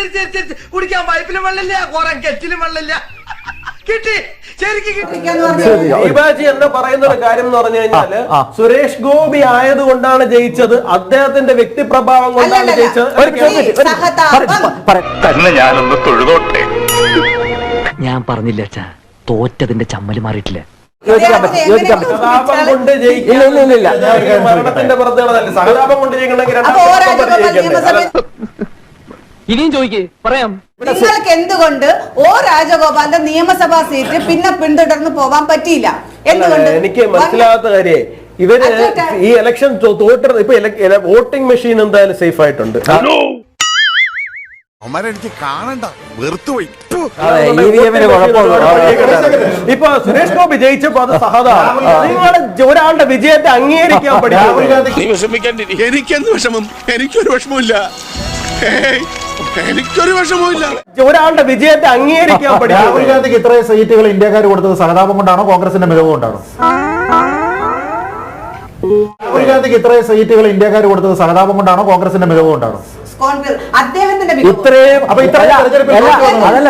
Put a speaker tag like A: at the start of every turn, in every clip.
A: കുടിക്കാൻ പൈപ്പിലും വെള്ളമില്ല, കുറെ കെറ്റിലും വെള്ളമില്ല. കിട്ടി, ശരിക്കും കിട്ടി.
B: ദീപാജി എന്ന് പറയുന്ന ഒരു കാര്യം എന്ന് പറഞ്ഞു കഴിഞ്ഞാല് സുരേഷ് ഗോപി ആയതുകൊണ്ടാണ് ജയിച്ചത്, അദ്ദേഹത്തിന്റെ വ്യക്തിപ്രഭാവം കൊണ്ടാണ് ജയിച്ചത്.
C: ഞാനൊന്ന് തൊഴുതോട്ടെ.
D: ഞാൻ പറഞ്ഞില്ല അച്ഛാ, തോറ്റതിന്റെ ചമ്മല് മാറിയിട്ടില്ല.
B: സഹതാപം കൊണ്ട് മരണത്തിന്റെ പുറത്തുകളല്ല, സഹതാപം കൊണ്ട് ജയിക്കണമെങ്കിൽ
D: ഇനിയും ചോദിക്കേ, പറയാം.
E: നിങ്ങൾക്ക് എന്തുകൊണ്ട് ഓ രാജഗോപാലിന്റെ നിയമസഭാ സീറ്റ് പിന്നെ പിന്തുടർന്ന് പോവാൻ പറ്റിയില്ല? എന്തുകൊണ്ട്?
B: എനിക്ക് മനസ്സിലാകാത്ത കാര്യേ, ഇവര് ഈ ഇലക്ഷൻ തോറ്റ ഇപ്പൊ വോട്ടിംഗ് മെഷീൻ എന്തായാലും സേഫ് ആയിട്ടുണ്ട്.
C: എനിക്ക് കാണണ്ട, വെറുത്തുപോയി.
B: ഇപ്പൊ സുരേഷ് ഗോപി ജയിച്ചപ്പോ അത് സഹതാണ്. നിങ്ങൾ ഒരാളുടെ വിജയത്തെ അംഗീകരിക്കാൻ പഠിക്കും.
C: നീ വിഷമിക്കാണ്ടിരി. എനിക്കെന്ത് വിഷമം? എനിക്കൊരു വിഷമമില്ല, എനിക്കൊരു വിഷമമില്ല.
B: ഒരാളുടെ വിജയത്തെ അംഗീകരിക്കാൻ പഠിക്കും.
F: രാഹുൽ ഗാന്ധിക്ക് ഇത്രയും സീറ്റുകൾ ഇന്ത്യക്കാർ കൊടുത്തത് സഹതാപം കൊണ്ടാണോ കോൺഗ്രസിന്റെ മികവ് കൊണ്ടാണോ? രാഹുൽ ഗാന്ധിക്ക് ഇത്രയും സീറ്റുകൾ ഇന്ത്യക്കാർ കൊടുത്തത് സഹതാപം കൊണ്ടാണോ കോൺഗ്രസിന്റെ മികവ് കൊണ്ടാണോ?
E: അദ്ദേഹത്തിന്റെ
B: ഇത്രയും അതല്ല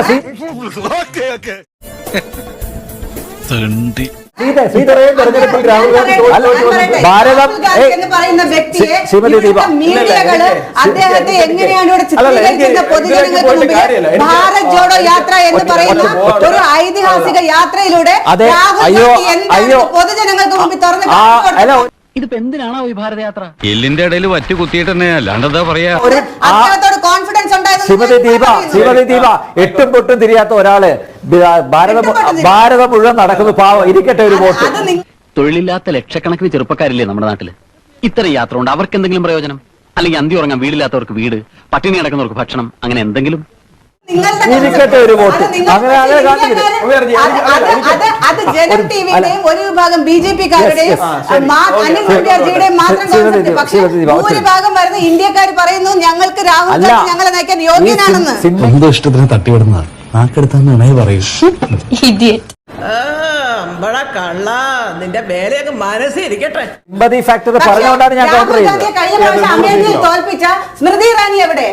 F: തെരഞ്ഞെടുപ്പിൽ രാഹുൽ ഗാന്ധി
E: ഭാരതം എന്ന് പറയുന്ന വ്യക്തിയെ മീഡിയകള് അദ്ദേഹത്തെ എങ്ങനെയാണ് ഇവിടെ ചിത്രീകരിക്കുന്ന പൊതുജനങ്ങൾക്ക് മുമ്പിൽ ഭാരത് ജോഡോ യാത്ര എന്ന് പറയുന്ന ഒരു ഐതിഹാസിക യാത്രയിലൂടെ രാഹുൽ ഗാന്ധി എന്താണ് പൊതുജനങ്ങൾക്ക് മുമ്പിൽ തുറന്ന്
D: ഇതിപ്പോ എന്തിനാണോ ഈ ഭാരതയാത്ര?
G: എല്ലിന്റെ ഇടയിൽ വറ്റ് കുത്തിയിട്ട് തന്നെ അല്ലാണ്ടെന്താ പറയാ.
E: കോൺഫിഡൻസ്
H: ശ്രീമതി ദീപ എട്ടും പൊട്ടും തിരിയാത്ത ഒരാള് ഭാരതം മുഴുവൻ നടക്കുന്നു, പാവം, ഇരിക്കട്ടെ ഒരു വോട്ട്.
D: തൊഴിലില്ലാത്ത ലക്ഷക്കണക്കിന് ചെറുപ്പക്കാരില്ലേ നമ്മുടെ നാട്ടില്? ഇത്തരം യാത്ര കൊണ്ട് അവർക്ക് എന്തെങ്കിലും പ്രയോജനം? അല്ലെങ്കിൽ അന്തി ഉറങ്ങാൻ വീടില്ലാത്തവർക്ക് വീട്, പട്ടിണി കിടക്കുന്നവർക്ക് ഭക്ഷണം, അങ്ങനെ എന്തെങ്കിലും?
H: ഇരിക്കട്ടെ ഒരു വോട്ട്. അങ്ങനെ
E: അത് ജനം ടിവിയുടെയും ഒരു വിഭാഗം ബിജെപിക്കാരുടെയും അനിൽ കുര്യാജിയുടെയും മാത്രം കോൺസെപ്റ്റ്. പക്ഷേ ഭൂരിഭാഗം വരുന്ന ഇന്ത്യക്കാർ പറയുന്നു ഞങ്ങൾക്ക് രാഹുൽ ഗാന്ധി ഞങ്ങളെ നയിക്കാൻ യോഗ്യനാണെന്ന്.
I: എന്തോ ഇഷ്ടത്തിന് തട്ടിവിടുന്നതാണ്, നാക്കെടുത്താന്ന് പറയൂ.
A: നിന്റെ മേലെയൊക്കെ മനസ്സിരിക്കട്ടെ.
H: പറഞ്ഞുകൊണ്ടാണ് ഞാൻ കൗണ്ടർ ചെയ്തത്.
E: കഴിഞ്ഞ പ്രാവശ്യം അമേഠിയിൽ തോൽപ്പിച്ച സ്മൃതി ഇറാനി എവിടെ?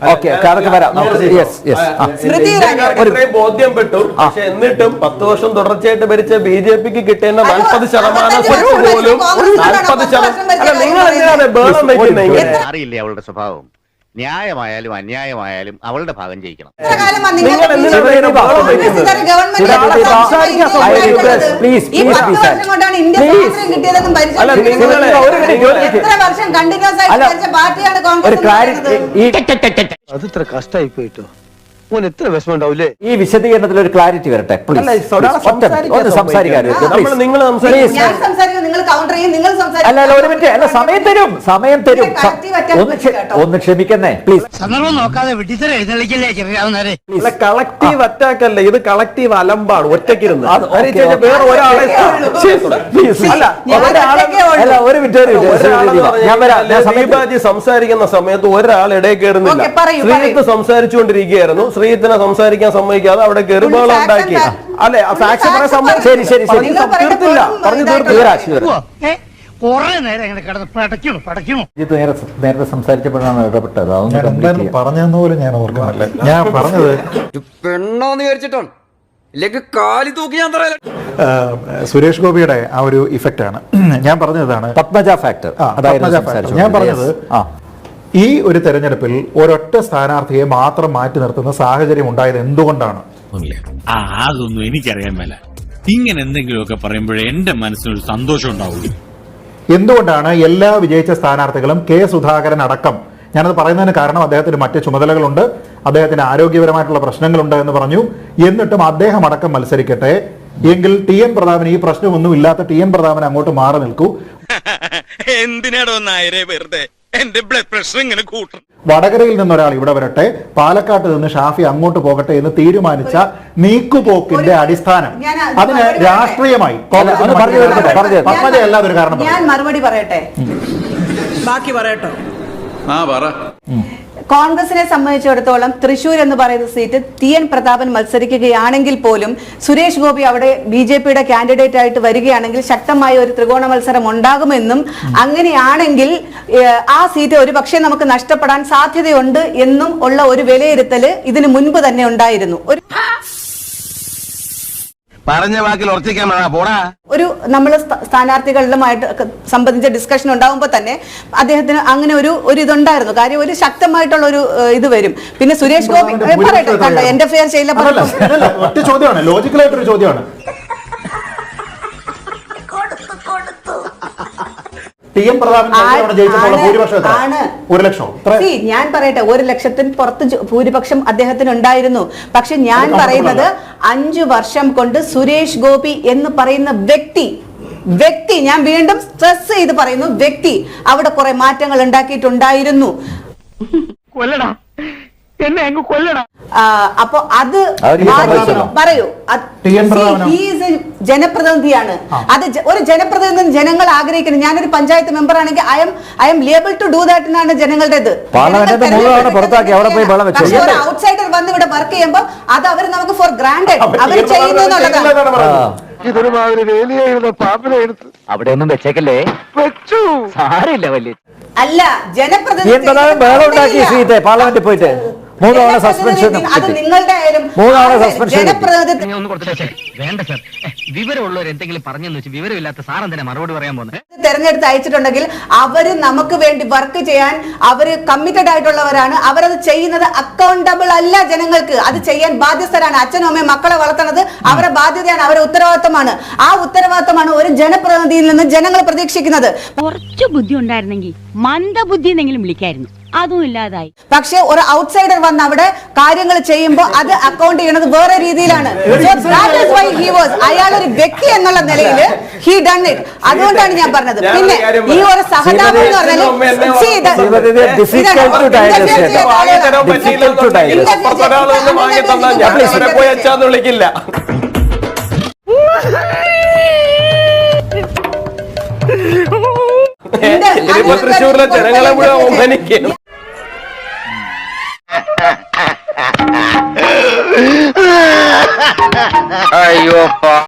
B: ഇത്രയും ബോധ്യപ്പെട്ടു. പക്ഷെ എന്നിട്ടും 10 വർഷം തുടർച്ചയായിട്ട് ഭരിച്ച ബിജെപിക്ക് കിട്ടേണ്ട 40% സീറ്റ് പോലും 40%. നിങ്ങൾ എന്തിനാണ് ബേളം വയ്ക്കുന്നത്?
G: അറിയില്ലേ അവളുടെ സ്വഭാവം? ന്യായമായാലും അന്യായമായാലും അവളുടെ ഭാഗം ജയിക്കണം.
B: അത് ഇത്ര കഷ്ടമായി പോയിട്ടോ, എത്ര വിഷമം ഉണ്ടാവില്ലേ?
H: ഈ വിശദീകരണത്തിൽ ഒരു ക്ലാരിറ്റി വരട്ടെ പ്ലീസ്. സംസാരിക്കാൻ അല്ല ഒരു മിനിറ്റ്, അല്ല സമയം തരും. ഒന്ന് ക്ഷമിക്കുന്നേ പ്ലീസ്.
B: കളക്റ്റീവ് അറ്റാക്ക് അല്ല ഇത്, കളക്റ്റീവ് അലമ്പാണ്. ഒറ്റയ്ക്കിരുന്ന് വേറെ ഒരാളെ ദീപാജി സംസാരിക്കുന്ന സമയത്ത് ഒരാൾ ഇടയിൽ കയറുന്നില്ല. ശ്രീജിത്ത് സംസാരിച്ചുകൊണ്ടിരിക്കുകയായിരുന്നു, ശ്രീജിത്തിനെ സംസാരിക്കാൻ സമ്മതിക്കാതെ അവിടെ കയറുമ്പോൾ ഉണ്ടാക്കി. അല്ലെ സാക്ഷി പറയാൻ തീർത്തില്ല, പറഞ്ഞു തീർത്തില്ല.
H: നേരത്തെ സംസാരിച്ചപ്പോഴാണ് ഇടപെട്ടത്.
F: പറഞ്ഞെന്ന് പോലും ഞാൻ ഓർക്കുന്നില്ല. ഞാൻ പറഞ്ഞത്
A: പെണ്ണോന്ന് വിചാരിച്ചിട്ടാണ്, ഇല്ലെങ്കിൽ കാലി തൂക്കി ഞാൻ പറയാം.
F: സുരേഷ് ഗോപിയുടെ ആ ഒരു ഇഫക്റ്റ് ആണ് ഞാൻ പറഞ്ഞതാണ്.
H: പത്മജ ഫാക്ടർ.
F: ഞാൻ പറഞ്ഞത് ഈ ഒരു തെരഞ്ഞെടുപ്പിൽ ഒരൊറ്റ സ്ഥാനാർത്ഥിയെ മാത്രം മാറ്റി നിർത്തുന്ന സാഹചര്യം ഉണ്ടായത് എന്തുകൊണ്ടാണ്?
I: അതൊന്നും എനിക്കറിയാൻ മേല. ഇങ്ങനെ എന്തെങ്കിലുമൊക്കെ പറയുമ്പോഴേ എന്റെ മനസ്സിനൊരു സന്തോഷം ഉണ്ടാവുള്ളൂ.
F: എന്തുകൊണ്ടാണ് എല്ലാ വിജയിച്ച സ്ഥാനാർത്ഥികളും കെ സുധാകരൻ അടക്കം, ഞാനത് പറയുന്നതിന് കാരണം അദ്ദേഹത്തിന് മറ്റ് ചുമതലകളുണ്ട്, അദ്ദേഹത്തിന് ആരോഗ്യപരമായിട്ടുള്ള പ്രശ്നങ്ങളുണ്ട് എന്ന് പറഞ്ഞു, എന്നിട്ടും അദ്ദേഹം അടക്കം മത്സരിക്കട്ടെ എങ്കിൽ ടി എൻ പ്രതാപൻ, ഈ പ്രശ്നമൊന്നും ഇല്ലാത്ത ടി എൻ പ്രതാപൻ അങ്ങോട്ട് മാറി നിൽക്കൂ.
C: എന്തിനാടോ നായരെ വെറുതെ എന്റെ ബ്ലഡ് പ്രഷർ ഇങ്ങനെ കൂട്ടും.
F: വടകരയിൽ നിന്നൊരാൾ ഇവിടെ വരട്ടെ, പാലക്കാട്ട് നിന്ന് ഷാഫി അങ്ങോട്ട് പോകട്ടെ എന്ന് തീരുമാനിച്ച നീക്കുപോക്കിന്റെ അടിസ്ഥാനം അതിന് രാഷ്ട്രീയമായി
E: ഞാൻ മറുപടി പറയട്ടെ,
A: ബാക്കി പറയട്ടോ.
E: കോൺഗ്രസിനെ സംബന്ധിച്ചിടത്തോളം തൃശൂർ എന്ന് പറയുന്ന സീറ്റ് TN പ്രതാപൻ മത്സരിക്കുകയാണെങ്കിൽ പോലും സുരേഷ് ഗോപി അവിടെ BJPയുടെ കാൻഡിഡേറ്റ് ആയിട്ട് വരികയാണെങ്കിൽ ശക്തമായ ഒരു ത്രികോണ മത്സരം ഉണ്ടാകുമെന്നും അങ്ങനെയാണെങ്കിൽ ആ സീറ്റ് ഒരു പക്ഷേ നമുക്ക് നഷ്ടപ്പെടാൻ സാധ്യതയുണ്ട് എന്നും ഉള്ള ഒരു വിലയിരുത്തല് ഇതിനു മുൻപ് തന്നെ ഉണ്ടായിരുന്നു.
A: പറഞ്ഞ വാക്കിൽ ഉറച്ചിക്കാൻ പോടാ.
E: ഒരു നമ്മൾ സ്ഥാനാർത്ഥികളുമായിട്ട് സംബന്ധിച്ച ഡിസ്കഷൻ ഉണ്ടാകുമ്പോൾ തന്നെ അദ്ദേഹത്തിന് അങ്ങനെ ഒരു ഇതുണ്ടായിരുന്നു. കാര്യം ഒരു ശക്തമായിട്ടുള്ള ഒരു ഇത് വരും. പിന്നെ സുരേഷ് ഗോപി പറയട്ടെ, കണ്ടോ എന്റെ ഫെയർ ചെയ്യില്ല.
F: ഒറ്റ ചോദ്യമാണ്, ലോജിക്കലായിട്ടൊരു ചോദ്യമാണ്. TN പ്രതാപൻ
E: ഞാൻ പറയട്ടെ, 1 ലക്ഷത്തിന് പുറത്ത് ഭൂരിപക്ഷം അദ്ദേഹത്തിന് ഉണ്ടായിരുന്നു. പക്ഷെ ഞാൻ പറയുന്നത് 5 വർഷം കൊണ്ട് സുരേഷ് ഗോപി എന്ന് പറയുന്ന വ്യക്തി ഞാൻ വീണ്ടും സ്ട്രെസ് ചെയ്ത് പറയുന്നു, വ്യക്തി അവിടെ കുറെ മാറ്റങ്ങൾ ഉണ്ടാക്കിയിട്ടുണ്ടായിരുന്നു.
A: കൊല്ലടാ എന്നെ അങ്ങ് കൊല്ലടാ.
E: അപ്പൊ അത് പറയൂ, ജനപ്രതിനിധിയാണ്. അത് ഒരു ജനപ്രതിനിധി ജനങ്ങൾ ആഗ്രഹിക്കുന്നത്. ഞാനൊരു പഞ്ചായത്ത് മെമ്പർ ആണെങ്കിൽ I am able to do that എന്നാണ് ജനങ്ങളുടേത്. പക്ഷെ ഒരു ഔട്ട്സൈഡർ വന്ന് ഇവിടെ വർക്ക് ചെയ്യുമ്പോൾ അത് അവർ നമുക്ക് ഫോർ ഗ്രാൻഡഡ് അവർ ചെയ്യുന്നു എന്നുള്ളതാണ്.
A: ഇതൊരുമാതിരി വേലിയായിരുന്ന പാപ്പിനെ എടുത്ത്
H: അവിടെ ഒന്നും വെച്ചേക്കല്ലേ, വെച്ചു സാരില്ല വലിയ
E: അല്ല ജനപ്രതിനിധി
H: പാർലമെന്റിൽ പോയിട്ട് 3 തവണ സസ്പെൻഷൻ.
E: അത് നിങ്ങളുടെ ആയാലും ജനപ്രതിനിധി
D: വേണ്ട സർ, വിവരമുള്ളവർ എന്തെങ്കിലും പറഞ്ഞെന്ന് വെച്ച് വിവരമില്ലാത്ത സാറൻ തന്നെ മറുപടി പറയാൻ പോകുന്നത്.
E: തെരഞ്ഞെടുത്ത് അയച്ചിട്ടുണ്ടെങ്കിൽ അവര് നമുക്ക് വേണ്ടി വർക്ക് ചെയ്യാൻ അവര് കമ്മിറ്റഡ് ആയിട്ടുള്ളവരാണ്. അവരത് ചെയ്യുന്നത് അക്കൗണ്ടബിൾ അല്ല ജനങ്ങൾക്ക്. അത് ചെയ്യാൻ ബാധ്യസ്ഥരാണ്. അച്ഛനും അമ്മയും മക്കളെ വളർത്തുന്നത് അവരുടെ ബാധ്യതയാണ്, അവരുടെ ഉത്തരവാദിത്തമാണ്. ആ ഉത്തരവാദിത്തമാണ് ഒരു ജനപ്രതിനിധിയിൽ നിന്ന് ജനങ്ങൾ പ്രതീക്ഷിക്കുന്നത്.
J: കുറച്ചു ബുദ്ധി ഉണ്ടായിരുന്നെങ്കിൽ മന്ദബുദ്ധി എന്നെങ്കിലും വിളിക്കായിരുന്നു, അതും ഇല്ലാതായി.
E: പക്ഷെ ഒരു ഔട്ട്സൈഡർ വന്ന് അവിടെ കാര്യങ്ങൾ ചെയ്യുമ്പോൾ അത് അക്കൗണ്ട് ചെയ്യണത് വേറെ രീതിയിലാണ്. അയാൾ ഒരു വ്യക്തി എന്നുള്ള നിലയിൽ ഹി ഡൺ ഇറ്റ്. അതുകൊണ്ടാണ് ഞാൻ പറഞ്ഞത്. പിന്നെ ഈ ഒരു സഹതാപം എന്ന് പറഞ്ഞാൽ
B: തൃശ്ശൂരിലെ ജനങ്ങളെ മുഴുവൻ ഒമ്പനിക്കും.
G: അയ്യോ